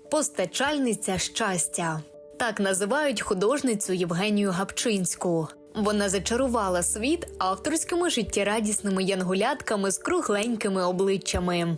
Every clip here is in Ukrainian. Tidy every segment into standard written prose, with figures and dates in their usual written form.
Постачальниця щастя. Так називають художницю Євгенію Гапчинську. Вона зачарувала світ авторськими життєрадісними янголятками з кругленькими обличчями.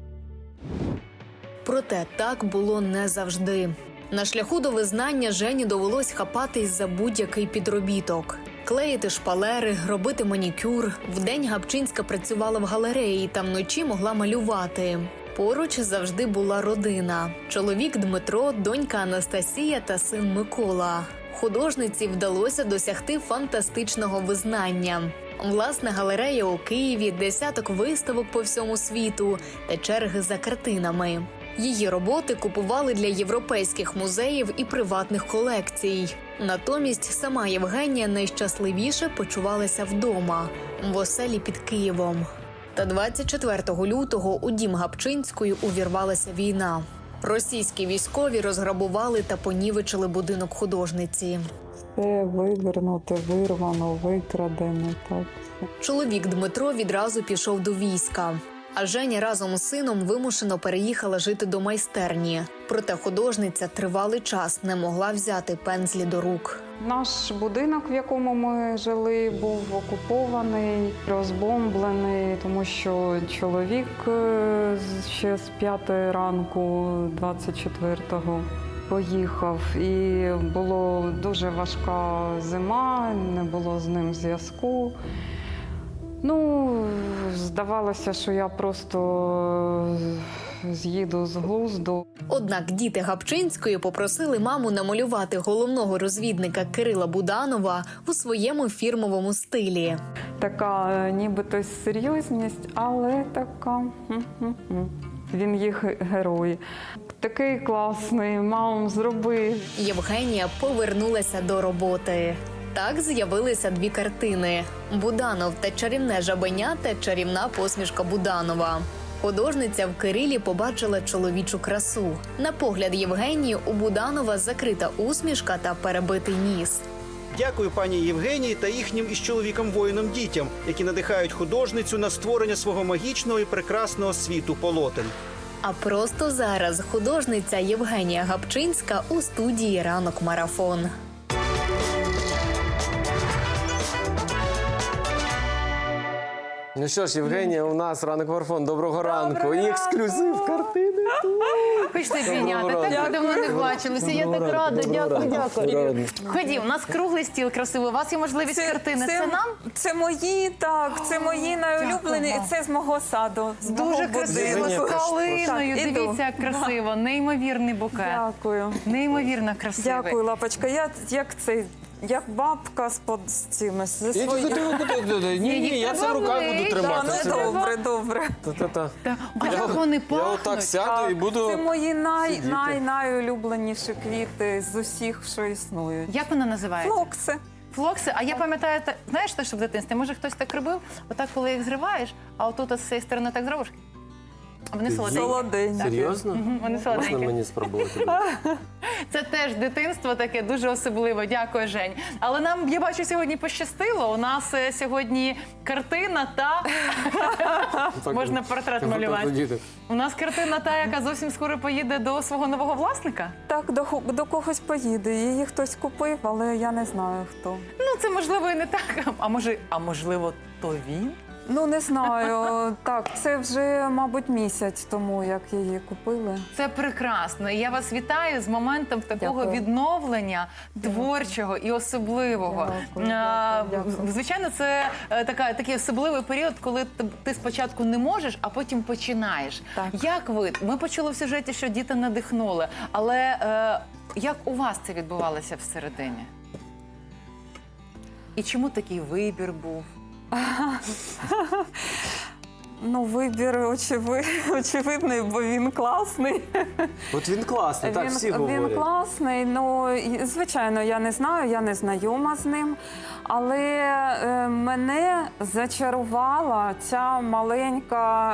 Проте так було не завжди. На шляху до визнання Жені довелось хапатись за будь-який підробіток. Клеїти шпалери, робити манікюр. Вдень Гапчинська працювала в галереї та вночі могла малювати. Поруч завжди була родина. Чоловік Дмитро, донька Анастасія та син Микола. Художниці вдалося досягти фантастичного визнання. Власна галерея у Києві, десяток виставок по всьому світу та черги за картинами. Її роботи купували для європейських музеїв і приватних колекцій. Натомість сама Євгенія найщасливіше почувалася вдома, в оселі під Києвом. Та 24 лютого у дім Гапчинської увірвалася війна. Російські військові розграбували та понівечили будинок художниці. Все вивернуте, вирвано, викрадено. Так. Чоловік Дмитро відразу пішов до війська. А Женя разом з сином вимушено переїхала жити до майстерні. Проте художниця тривалий час не могла взяти пензлі до рук. Наш будинок, в якому ми жили, був окупований, розбомблений, тому що чоловік ще з 5 ранку 24-го поїхав. І була дуже важка зима, не було з ним зв'язку. Здавалося, що я просто з'їду з глузду. Однак діти Гапчинської попросили маму намалювати головного розвідника Кирила Буданова у своєму фірмовому стилі. Така нібито серйозність, але така. Він їх герой. Такий класний, мам, зроби. Євгенія повернулася до роботи. Так з'явилися дві картини – «Буданов та чарівне жабеня» та «Чарівна посмішка Буданова». Художниця в Кирилі побачила чоловічу красу. На погляд Євгенії у Буданова закрита усмішка та перебитий ніс. Дякую пані Євгенії та їхнім із чоловіком-воїном дітям, які надихають художницю на створення свого магічного і прекрасного світу полотен. А просто зараз художниця Євгенія Гапчинська у студії «Ранок Марафон». Ну що ж, Євгенія, у нас «Ранок Марафон». Доброго ранку. І ексклюзив картини. Хочете обійняти? Так давно не бачилися. Я так рада. Дякую. Ходім, у нас круглий стіл красивий. У вас є можливість картини. Це нам? Це мої, так. Це мої найулюблені. І це з мого саду. Дуже красиво, з калиною. Так, іду. Дивіться, як красиво. Неймовірний букет. Дякую. Неймовірно красивий. Дякую, лапочка. Я як бабка з цими, зі своїми. Ні, я це в руках буду тримати. Добре. А як вони Я пахнуть? отак сяду і буду... Це мої найулюбленіші квіти з усіх, що існують. Як вона називається? Флокси. Флокси. А я пам'ятаю, знаєш, що в дитинстві? Може, хтось так робив? Отак, коли їх зриваєш, а отут з цієї сторони так зробиш? А вони солоденькі. Солоденькі. Серйозно? Вони Можна солоденькі. мені спробувати? Це теж дитинство таке дуже особливе. Дякую, Жень. Але нам, я бачу, сьогодні пощастило. У нас сьогодні картина та... Можна портрет малювати. У нас картина та, яка зовсім скоро поїде до свого нового власника. Так, до когось поїде. Її хтось купив, але я не знаю, хто. Ну, це можливо і не так. А можливо, то він? Ну, не знаю. Так, це вже, мабуть, місяць тому, як її купили. Це прекрасно. І я вас вітаю з моментом такого Дякую. відновлення творчого і особливого. Дякую. Звичайно, це такий особливий період, коли ти спочатку не можеш, а потім починаєш. Так. Як ви? Ми почули в сюжеті, що діти надихнули. Але як у вас це відбувалося всередині? І чому такий вибір був? Ну, вибір очевидний, бо він класний. От він класний, так всі говорять. Він класний, ну, звичайно, я не знаю, я не знайома з ним, але мене зачарувала ця маленька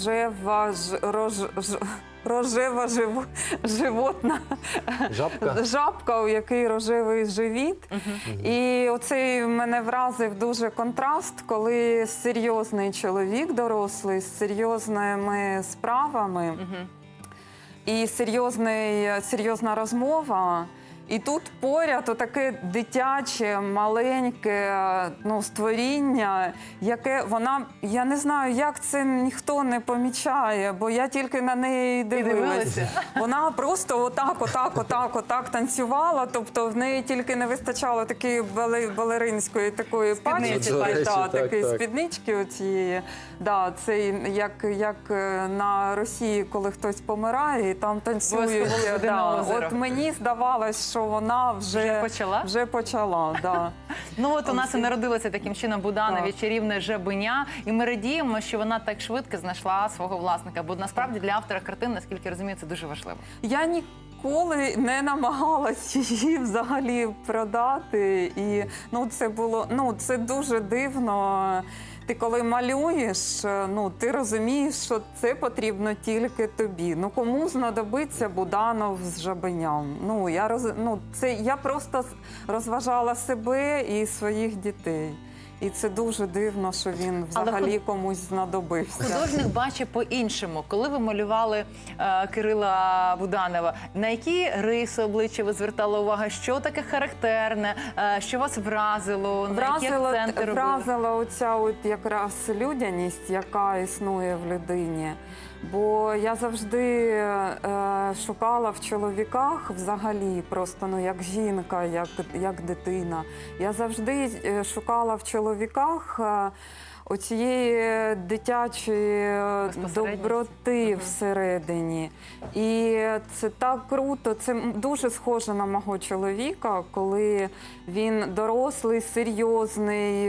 рожева животна жабка, у якій рожевий живіт. І оцей мене вразив дуже контраст, коли серйозний чоловік дорослий з серйозними справами і серйозна розмова. І тут поряд отаке дитяче, маленьке створіння, яке я не знаю, як це ніхто не помічає, бо я тільки на неї дивилася. Вона просто отак танцювала, тобто в неї тільки не вистачало такої балеринської такої такої спіднички оцієї. Да, це як на Росії, коли хтось помирає, і там танцюють. От мені здавалось, що вона вже почала. Да. Ну от у нас і народилося таким чином Буданові чарівне жабеня, і ми радіємо, що вона так швидко знайшла свого власника, бо насправді для автора картин, наскільки я розумію, це дуже важливо. Я ніколи не намагалась її взагалі продати, і це дуже дивно. Ти коли малюєш, ти розумієш, що це потрібно тільки тобі. Кому знадобиться Буданов з жабеням? Я просто розважала себе і своїх дітей. І це дуже дивно, що він взагалі комусь знадобився. Художник бачить по-іншому. Коли ви малювали Кирила Буданова, на які риси обличчя ви звертали увагу? Що таке характерне? Що вас вразило? Вразила оця якраз людяність, яка існує в людині. Бо я завжди шукала в чоловіках взагалі, просто як жінка, як дитина. Я завжди шукала в чоловіках оцієї дитячої доброти всередині. І це так круто, це дуже схоже на мого чоловіка, коли він дорослий, серйозний,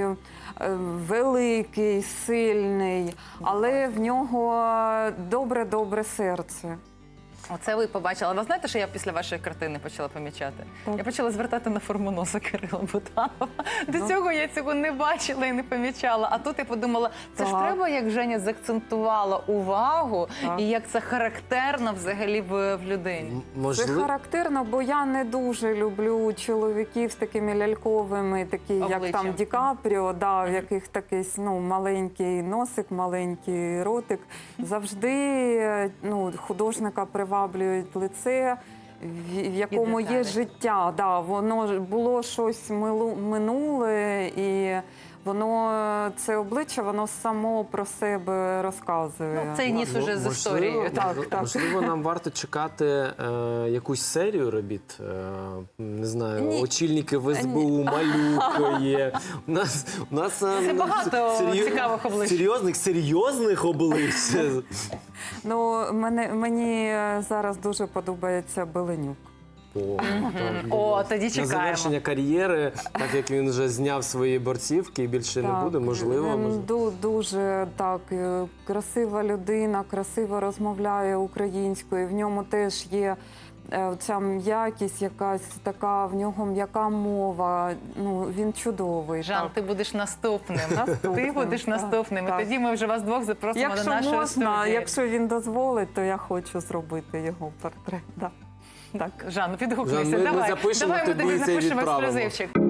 великий, сильний, але в нього добре серце. Оце ви побачили. Ви знаєте, що я після вашої картини почала помічати? Я почала звертати на форму носа Кирила Буданова. До цього я цього не бачила і не помічала. А тут я подумала, це ж треба, як Женя заакцентувала увагу і як це характерно взагалі в людині. Це характерно, бо я не дуже люблю чоловіків з такими ляльковими, такі як там Ді Капріо, в яких такий маленький носик, маленький ротик. Завжди художника приваблюють лице, в якому є життя. Воно було щось минуле, і це обличчя, воно само про себе розказує. Цей ніс уже з історією. Можливо, нам варто чекати якусь серію робіт. Не знаю, очільники в СБУ, Малюк є. У нас це багато цікавих облич. Серйозних облич. Мені зараз дуже подобається Беленюк. Тоді чекаємо. На завершення кар'єри, так як він вже зняв свої борцівки і більше не буде, можливо. Він дуже красива людина, красиво розмовляє українською. В ньому теж є ця м'якість якась така, в нього м'яка мова. Він чудовий. Жан, ти будеш наступним. Ти будеш наступним. І тоді ми вже вас двох запросимо до нашої студії. Якщо він дозволить, то я хочу зробити його портрет. Жан, підгукнися. Давай ми тобі напишемо ексклюзивчик.